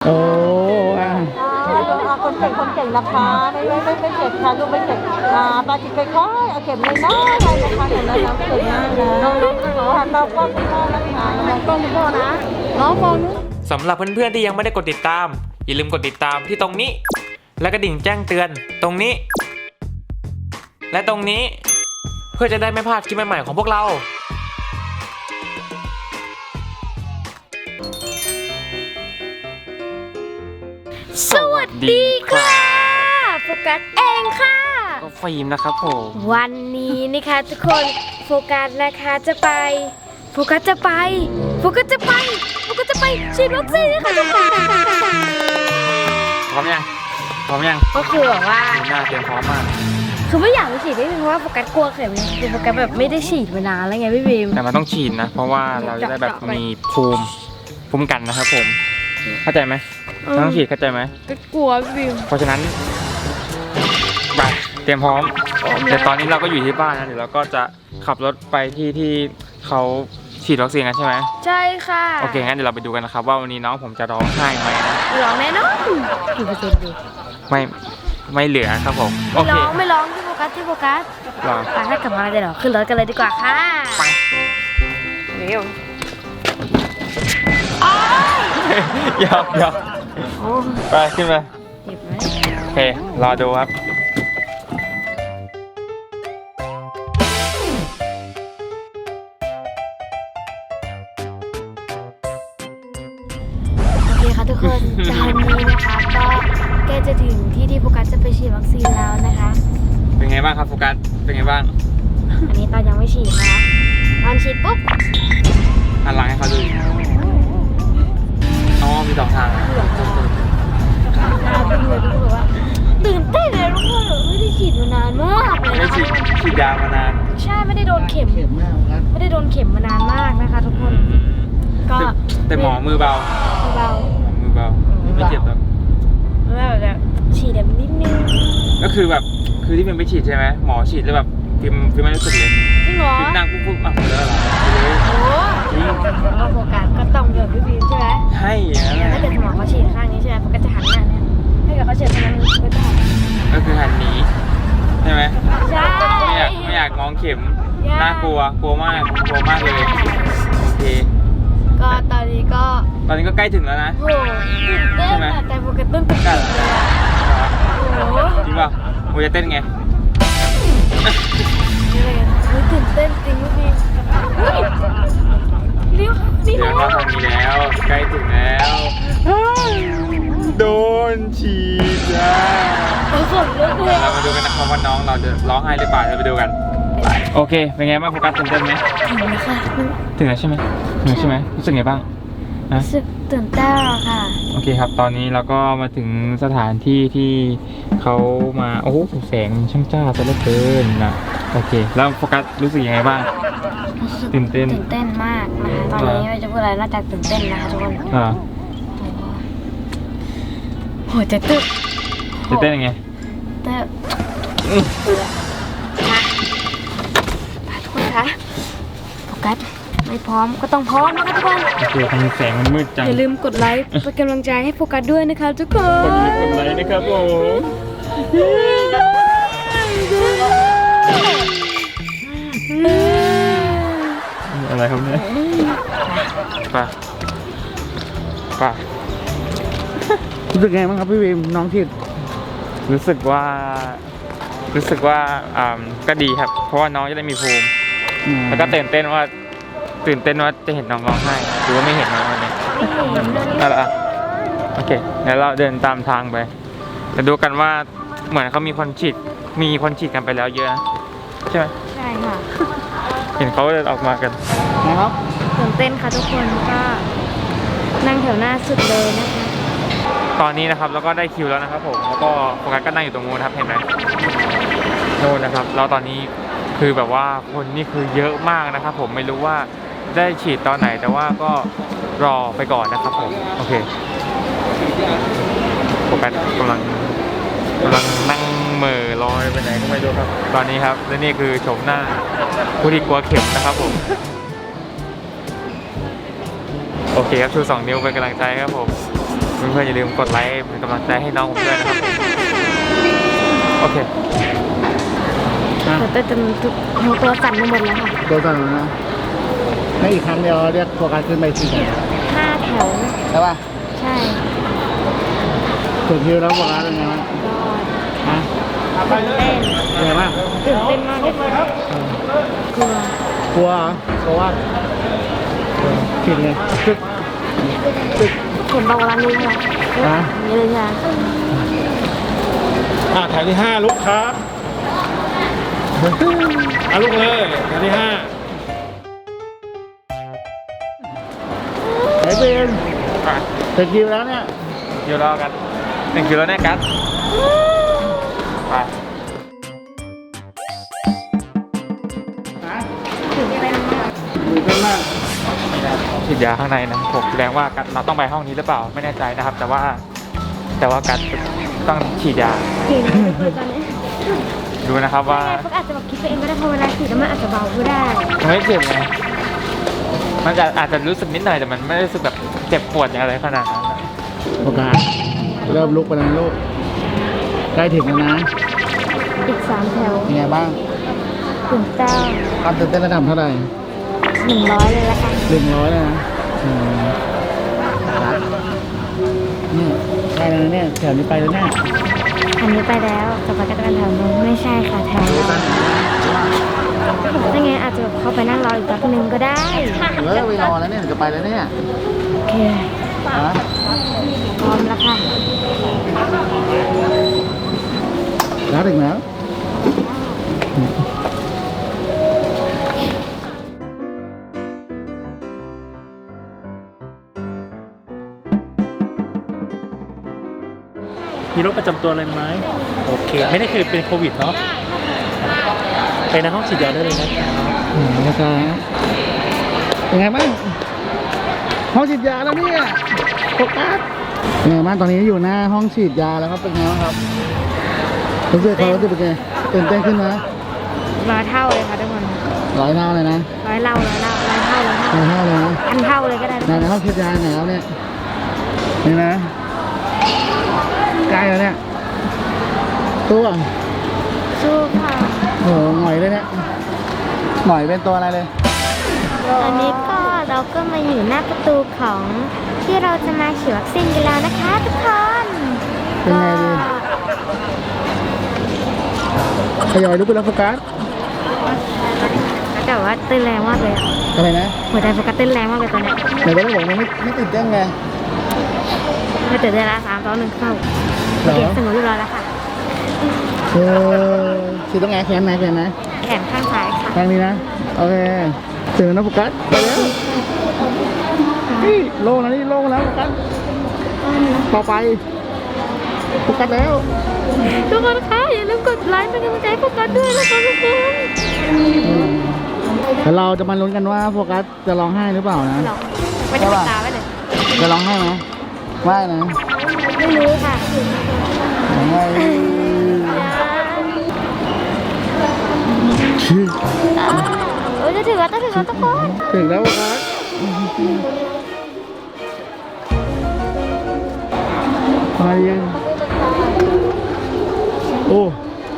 โอ้คนเก่งนะคะไม่เจ็บค่ะลูกไม่เจ็บปาจิตไปค่อยเอาเข็มน้อยๆไปนะคะเห็นไหมน้องเก่งมากนะน้องหันมากล้องคุณพ่อนะคะมองกล้องคุณพ่อนะน้องมองนู้นสำหรับเพื่อนๆที่ยังไม่ได้กดติดตามอย่าลืมกดติดตามที่ตรงนี้และกระดิ่งแจ้งเตือนตรงนี้และตรงนี้เพื่อจะได้ไม่พลาดคลิปใหม่ๆของพวกเราสวัสดีค่ะโฟกัสเองค่ะก็ฟิล์มนะครับผมวันนี้นะคะทุกคนโฟกัสนะคะจะไปฉีดวัคซีนนะคะทุกคนพร้อมยังก็คือแบบว่าหน้าเตรียมพร้อมมากคือไม่อยากไปฉีดเพราะว่าโฟกัสกลัวเข็มคือโฟกัสแบบไม่ได้ฉีดมานานแล้วไงพี่บีมแต่มันต้องฉีดนะเพราะว่าเราจะได้แบบมีภูมิกันนะครับผมเข้าใจไหมต้องฉีดเข้าใจไหมก็กลัวพี่บีมเพราะฉะนั้นไปเตรียมพร้อมแต่ตอนนี้เราก็อยู่ที่บ้านนะเดี๋ยวเราก็จะขับรถไปที่เขาฉีดวัคซีนกันใช่ไหมใช่ค่ะโอเคงั้นเดี๋ยวเราไปดูกันนะครับว่าวันนี้น้องผมจะร้องไห้ไหมนะร้องแน่นอนกี่เปอร์เซ็นต์ดูไม่เหลือครับผมโอเคไม่ร้องที่โฟกัสร้องถ้ากลับมาเดี๋ยวขึ้นรถกันเลยดีกว่าค่ะไปเร็วยอมไปขึ้นมาเจ็บไหมโอเครอดูครับโอเคค่ะทุกคนตอนนี้นะคะก็ใกล้จะถึงที่โฟกัสจะไปฉีดวัคซีนแล้วนะคะเป็นไงบ้างครับโฟกัสเป็นไงบ้างอันนี้ตอนยังไม่ฉีดนะคะตอนฉีดปุ๊บหันหลังให้เขาดูอ๋อมีสองทางตื่นเต้นเลยทุกคนไม่ได้ฉีดมานานมากเลยไม่ได้ฉีดยามานานใช่ไม่ได้โดนเข็มมานานมากนะคะทุกคนก็แต่หมอมือเบาไม่เจ็บหรอกแบบฉีดแบบนิดนึงก็คือแบบที่มันไปฉีดใช่ไหมหมอฉีดแล้วแบบฟิล์มไม่รู้สึกเลยจริงเหรอฟิล์มนั่งปุ๊บอ่ะเลยเหรอโอ้จริงเราโฟกัสก็ต้องเดือดพี่ฟิล์มใช่ไหมใช่ถ้าเกิดหมอเขาฉีดข้างนี้ใช่ไหมโฟกัสจะหันหน้าเนี่ยถ้าเกิดเขาฉีดตรงนั้นก็จะหันก็คือหันหนีใช่ไหมใช่ไม่อยากมองเข็มน่ากลัวมากเลยโอเคก็ตอนนี้ก็ใกล้ถึงแล้วนะโอ้เต้นแต่โฟกัสต้นตึกเลยจริงป่ะโมจะเต้นไงตื่นเต้นจริงพี่เดี๋ยวมาทางนี้แล้วใกล้ถึงแล้วโดนฉีดแล้วเรามาดูกันนะครับว่าน้องเราจะร้องไห้หรือเปล่าเราไปดูกันโอเคเป็นไงบ้างโฟกัสตื่นเต้นไหมถึงแล้วค่ะถึงแล้วใช่ไหมรู้สึกไงบ้างรู้สึกตื่นเต้นค่ะโอเคครับตอนนี้เราก็มาถึงสถานที่ที่เขามาโอ้โหแสงช่างจ้าซะเหลือเกินนะโอเคแล้วโฟกัสรู้สึกยังไงบ้างตื่นเต้นมากนะคะตอนนี้ไม่จะพูดอะไรนอกจากตื่นเต้นนะคะทุกคนโหจะตื่นเต้นยังไงทุกคนคะโฟกัสไม่พร้อมก็ต้องพร้อมนะคะทุกคนโอเคทำแสงมันมืดจังอย่าลืมกดไลค์เป็นกำลังใจให้โฟกัสด้วยนะคะทุกคนกดไลค์นะครับผมอะไรครับเนี่ยป่ะรู้สึกไงบ้างครับพี่วิมน้องที่รู้สึกว่าก็ดีครับเพราะว่าน้องจะได้มีภูมิแล้วก็ตื่นเต้นว่าจะเห็นน้องร้องไห้หรือว่าไม่เห็นน้องวันนี้นั่นแหละโอเคเดี๋ยวเราเดินตามทางไปจะดูกันว่าเหมือนเขามีคนฉีดกันไปแล้วเยอะนะใช่ไหมใช่ค่ะเห็นเขาเดินออกมากันนะครับตื่นเต้นค่ะทุกคนก็นั่งแถวหน้าสุดเลยนะคะตอนนี้นะครับเราก็ได้คิวแล้วนะครับผมแล้วก็โฟกัสก็นั่งอยู่ตรงนู้นครับเห็นไหมโน่นนะครับแล้วตอนนี้คือแบบว่าคนนี่คือเยอะมากนะครับผมไม่รู้ว่าได้ฉีดตอนไหนแต่ว่าก็รอไปก่อนนะครับผมโอเคโฟกัสกำลังนั่งเหม่อลอยไปไหนก็ไม่รู้ครับตอนนี้ครับและนี่คือโฉมหน้าผู้ที่กลัวเข็มนะครับผมโอเคครับชู2 นิ้วเป็นกำลังใจครับผมเพื่อนๆอย่าลืมกดไลค์เป็นกำลังใจให้น้องผมด้วยนะครับโอเคแต่จนหัวตัวสั่นไปหมดแล้วค่ะโดนสั่นแล้วนะในอีกครั้งเดียวเรียกโฟกัสขึ้นไป4 แถว 5 แถวใช่ป่ะใช่ถึงคิวแล้วโฟกัสเป็นไงบ้างรอดฮะตื่นเต้นเป็นไงบ้างตื่นเต้นมากเลยค่ะกลัวกลัวเหรอเพราะว่าผิดไงตึกตึกเข็มบอกร้านนี้ค่ะฮะนี่เลยค่ะแถวที่ 5 ลุกครับลุกเลยแถวที่ 5 ไหนเป็นอ่ะถึงคิวแล้วเนี่ยคิวรอกัน1 คิวแล้วแน่กัสไปฮะถึงอะไรนะตื่นเต้นมากฉีดยาข้างในนะผมแสดงว่ากัสเราต้องไปห้องนี้หรือเปล่าไม่แน่ใจนะครับ แต่ว่ากัสต้องฉีดยาถึงเลยตอนนี้ดูนะครับว่าพวกอาจจะแบบคิดไปเองก็ได้เพราะเวลาฉีดแล้วมันอาจจะเบาก็ได้มันไม่เจ็บไงมันอาจจะรู้สึกนิดหน่อยแต่มันไม่ได้รู้สึกแบบเจ็บปวดอย่างไรขนาดนั้นนะโอกาสเริ่มลุกไปแล้วนะลูกใกล้ถึงแล้วนะอีก 3 แถวเป็นไงบ้างถึงเจ้าความตื่นเต้นระดับเท่าไหร่ 100เลยละกัน 100เลยนะครับเนี่ยใกล้แล้วนะเนี่ยแถวนี้ไปแล้วเนี่ยอันนี้ไปแล้วต่อไปก็จะเป็นแถวนู้นไม่ใช่ค่ะแถวเราถ้าไงอาจจะแบบเข้าไปนั่งรออีกแป๊บนึงก็ได้ไปรอแล้วเนี่ยจะไปแล้วเนี่ยโอเคฮะพร้อมแล้วค่ะแล้วถึงแล้วมีโรคประจำตัวอะไรไหมโอเค ไม่ได้เคยเป็นโควิดเนาะไปในห้องฉีดยาได้เลยนะครับนะครับเป็นไงบ้างห้องฉีดยาแล้วเนี่ยโฟกัสเป็นไงบ้างตอนนี้อยู่หน้าห้องฉีดยาแล้วครับเป็นไงบ้างครับรู้สึกเขารู้สึกเป็นไงตื่นเต้นขึ้นไหม 100 เท่าเลยค่ะทุกคน 100 เท่าเลยนะ 100 เท่า100 เท่า 100 เท่าเลยนะ 1,000 เท่าเลยก็ได้ในห้องฉีดยาไหนแล้วเนี่ยนี่นะใกล้แล้วเนี่ยตัวสู้ค่ะโอ้โหหน่อยเลยเนี่ยหน่อยเป็นตัวอะไรเลยตอนนี้ก็เราก็มาอยู่หน้าประตูของที่เราจะมาฉีดวัคซีนกันแล้วนะคะทุกคนเป็นไงดีทยอยลุกไปแล้วโฟกัสแต่ว่าเต้นแรงมากเลยอะอะไรนะหัวใจโฟกัสเต้นแรงมากเลยตอนเนี้ยไหนก็ได้บอกมันไม่ตื่นเต้นไงไม่ตื่นเต้นละ3 2 1เข้าเหรอเก็บสงบเรียบร้อยแล้วค่ะฉีดตรงไหนแขนไหนแขนไหนแขนข้างซ้ายค่ะทางนี้นะโอเคถึงแล้วนะโฟกัสไปแล้วนี่โล่งแล้วนี่โล่งแล้วโฟกัสต่อไปโฟกัสแล้วทุกคนคะอย่าลืมกดไลค์เป็นกำลังใจให้โฟกัสด้วยนะคะทุกคนแต่เราจะมาลุ้นกันว่าโฟกัสจะร้องไห้หรือเปล่านะหรอไม่ได้ปิดตาไว้เลยจะร้องไห้ไหมไม่นะไม่รู้ค่ะไม่โอ้ยจะถึงแล้วทุกคนถึงแล้วโฟกัสมายังโอ้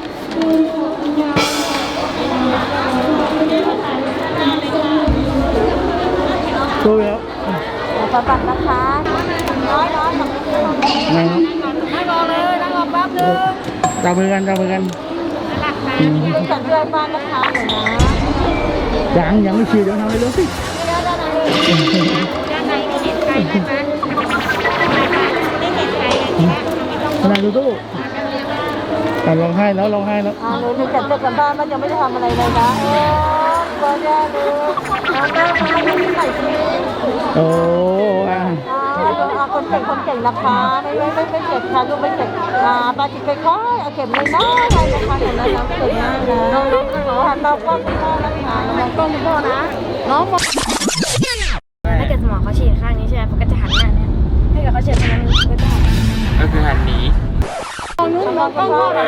โตแล้วขอบัตรนะคะน้อยของไงครับนั่งรอเลยนั่งรอแป๊บนึงจับมือกันจับมือกันเป็นสัญญาณบ้านนะคะหนูนะยังไม่ฉีดเดี๋ยวทำให้รู้สิด้านในมีเห็นใครไหมคะไม่เห็นใครเลยนะขนาดดูตู้แต่ร้องไห้แล้วร้องไห้แล้วหนูมีจัดเจ้ากันบ้านมันยังไม่ได้ทำอะไรเลยนะเบอร์แย่เลยน้องแม่มายังไม่ใส่ชุดโอ้อ่ะคนเก่งนะคะไม่เจ็บค่ะลูกไม่เจ็บปาจิตค่อยๆเอาเข็มเลยนะอะไรนะคะหนูนะน้ำเก่งมากนะน้องค่ะน้องก็คุณพ่อนะคะน้องก็คุณพ่อนะน้องถ้าเกิดสมองเขาฉีดข้างนี้ใช่ไหมเขาก็จะหันหน้าเนี่ยถ้าเกิดเขาฉีดตรงนั้นก็จะหันก็คือหันหนีน้องก็พ่อนะ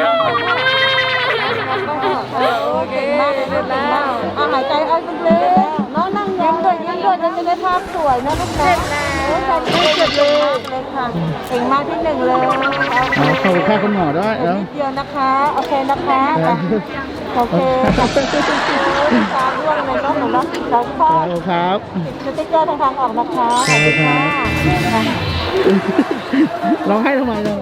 โอเคมากเลยนะหายใจเอาจนเลยน้องนั่งยิ้มด้วยยิ้มด้วยจะได้ภาพสวยนะลูกนะโอ้ยเจ็บเลยค่ะเก่งมากที่หนึ่งเลยเอาขอบคุณค่ะคุณหมอด้วยแล้วนิดเดียวนะคะโอเคนะคะโอเคค่ะตาร่วงเลยเนาะหนูเนาะเราคลอดครับสติ๊กเกอร์ทางออกนะคะขอบคุณค่ะร้องไห้ทำไมเนี่ย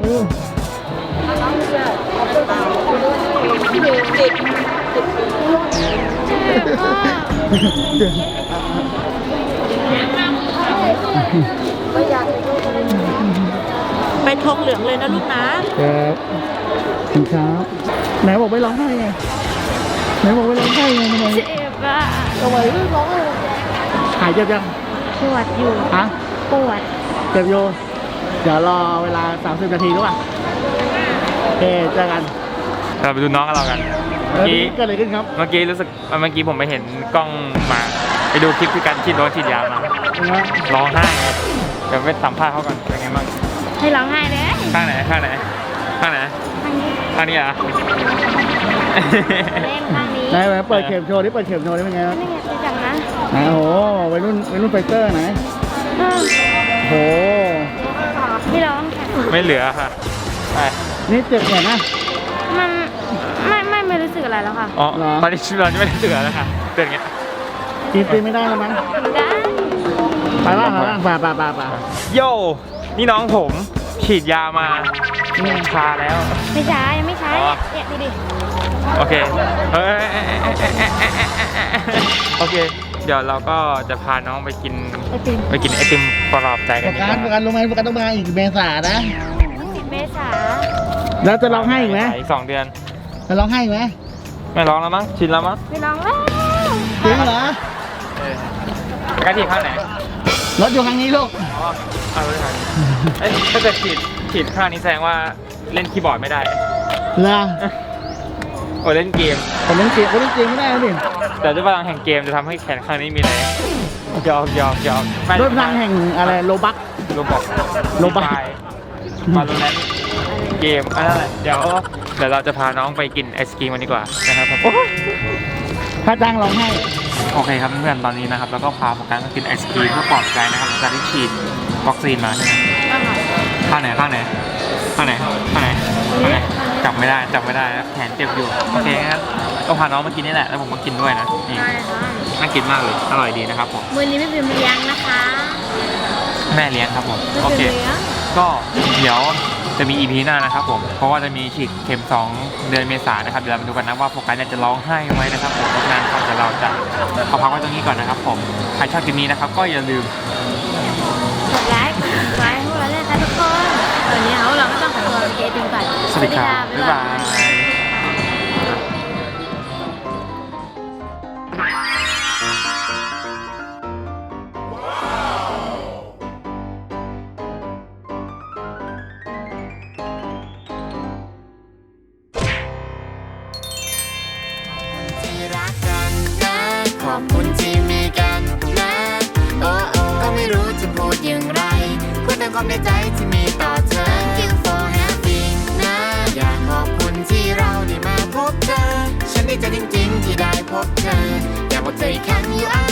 ไปทงเหลืองเลยนะลูกนะครับคุณครับไหนบอกไม่ร้องไห้ไงไหนบอกไม่ร้องไห้ไงทำไมเจ็บอ่ะทำไมไม่ร้องไห้หายเจ็บยังปวดอยู่ฮะปวดเจ็บอยู่เดี๋ยวรอเวลา30 นาทีรู้ป่ะโอเคเจอกันเราไปดูน้องกันเรากันเออเกิดอะไรขึ้นครับเมื่อกี้รู้สึกเมื่อกี้ผมไปเห็นกล้องมา ไปดูคลิปที่การฉีดโดนฉีดยามา ร้องไห้เดี๋ยวไปสัมภาษณ์เขาก่อนเป็นไงบ้างให้ร้องไห้เลยข้างไหนข้างไหนข้างไหนทางนี้ข้างนี้เหรอ่ะเล่นทางนี้ไหนไหนเปิดเข็มโชว์ดิเปิดเข็มโชว์ดิเป็นไงครับนี่ไงไปจังนะไหนโอ้โหวัยรุ่นไฟเตอร์ไหนอืมโอ้โหที่ร้องค่ะไม่เหลือค่ะไปนี่เจ็บแขนนะมันไม่รู้สึกอะไรแล้วค่ะอ๋อเหรอตอนนี้ชีวิตเราจะไม่ได้เหลือแล้วค่ะเป็นอย่างเงี้ยกินตีไม่ได้แล้วมั้งได้ไปบ้างไปโย่นี่น้องผมฉีดยามานี่ชาแล้วไม่ใช้ยังไม่ใช้อ๋อเนี่ยดูดิโอเคเฮ้ยโอเค เดี๋ยวเราก็จะพาน้องไปกินไอติมไอติมปลอบใจโฟกันดีกกัว่าสต้องมาอีกเมษานะ 10 เมษาแล้วจะร้องไห้อีกไหมอีก2 เดือนจะร้องไห้อีกไหมไม่ร้องแล้วมั้งชินแล้วมั้งไม่ร้องแล้วจริงเหรอกระถิ่นข้างไหนรถอยู่ข้างนี้ลูกอ๋อเอาเลยครับเอ้ยถ้าเกิดฉีดข้างนี้แสดงว่าเล่นคีย์บอร์ดไม่ได้เหรอโอ้เล่นเกมผมเล่นเกมไม่ได้แล้วดิแต่ด้วยพลังแห่งเกมจะทำให้แขนข้างนี้มีแรงยอมไม่ด้วยพลังแห่งอะไรโลบักโรบอกโรบอกมาโลแลนเกมอันนั้นแหละเดี๋ยวเราจะพาน้องไปกินไอศกรีมกันดีกว่านะครับผมถ้าจ้างร้องไห้โอเคครับเพื่อนๆตอนนี้นะครับแล้วก็พาโฟกัสมากินไอศกรีมเพื่อปลอบใจนะครับหลังจากที่ฉีดวัคซีนมาใช่ไหมข้างไหนจับไม่ได้แขนเจ็บอยู่โอเคงั้นก็พาน้องมากินนี่แหละแล้วผมก็กินด้วยนะนี่น่ากินมากเลยอร่อยดีนะครับผมมือนี้ไม่เป็นเลี้ยงนะคะแม่เลี้ยงครับผมไม่โอเป็นเคเลี้ยงก็เดี๋ยวจะมี EP หน้านะครับผมเพราะว่าจะมีฉีดเข็ม2 เดือนเมษายนนะครับเดี๋ยวเรามาดูกันนะว่าโฟกัสเนี่ยจะร้องไห้ไหมนะครับผมเพราะฉะนั้นครับเดี๋ยวเราจะเอาพักไว้ตรงนี้ก่อนนะครับผมใครชอบคลิปนี้นะครับก็อย่าลืมกดไลค์กดติดตามพวกเราด้วยนะคะทุกคนตอนนี้เราไม่ต้องขอตัวไปกินไอติมก่อนสวัสดีครับบ๊ายบายขอบคุณที่มีกันนะ โอ้โอ้ก็ไม่รู้จะพูดอย่างไรพูดตามความในใจที่มีต่อเธอ Thank you for having นะ อยากขอบคุณที่เราได้มาพบเธอ ฉันดีใจจริงๆที่ได้พบเธอ อยากบอกเธออีกครั้ง you are